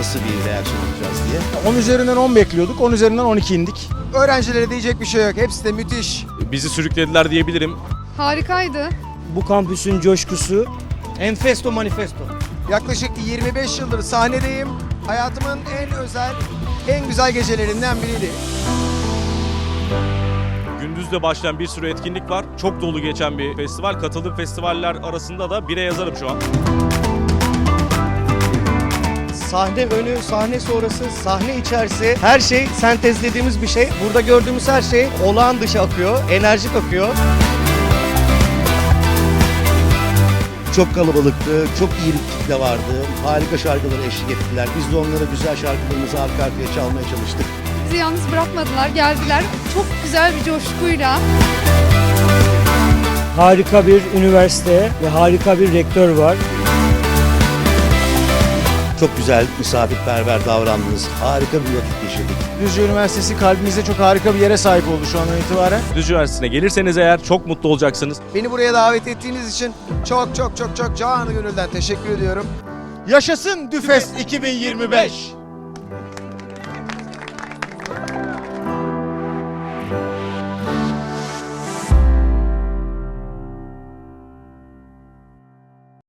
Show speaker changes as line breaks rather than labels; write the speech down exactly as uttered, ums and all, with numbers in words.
nasıl bir reaksiyon alacağız diye.
on üzerinden on bekliyorduk, on üzerinden on iki indik.
Öğrencilere diyecek bir şey yok. Hepsi de müthiş.
Bizi sürüklediler diyebilirim.
Harikaydı.
Bu kampüsün coşkusu Enfesto Manifesto.
Yaklaşık yirmi beş yıldır sahnedeyim. Hayatımın en özel, en güzel gecelerinden biriydi.
Gündüzde başlayan bir sürü etkinlik var. Çok dolu geçen bir festival. Katıldığım festivaller arasında da bire yazarım şu an.
Sahne önü, sahne sonrası, sahne içerisi her şey sentezlediğimiz bir şey. Burada gördüğümüz her şey olağan dışı akıyor, enerjik akıyor.
Çok kalabalıktı, çok iyi bir kitle vardı. Harika şarkıları eşlik ettiler. Biz de onlara güzel şarkılarımızı arka arkaya çalmaya çalıştık.
Bizi yalnız bırakmadılar, geldiler. Çok güzel bir coşkuyla.
Harika bir üniversite ve harika bir rektör var.
Çok güzel, misafirperver davrandınız. Harika bir vakit geçirdik.
Düzce Üniversitesi kalbimizde çok harika bir yere sahip oldu şu andan itibaren.
Düzce Üniversitesi'ne gelirseniz eğer çok mutlu olacaksınız.
Beni buraya davet ettiğiniz için çok çok çok çok canı gönülden teşekkür ediyorum.
Yaşasın Düfest iki bin yirmi beş!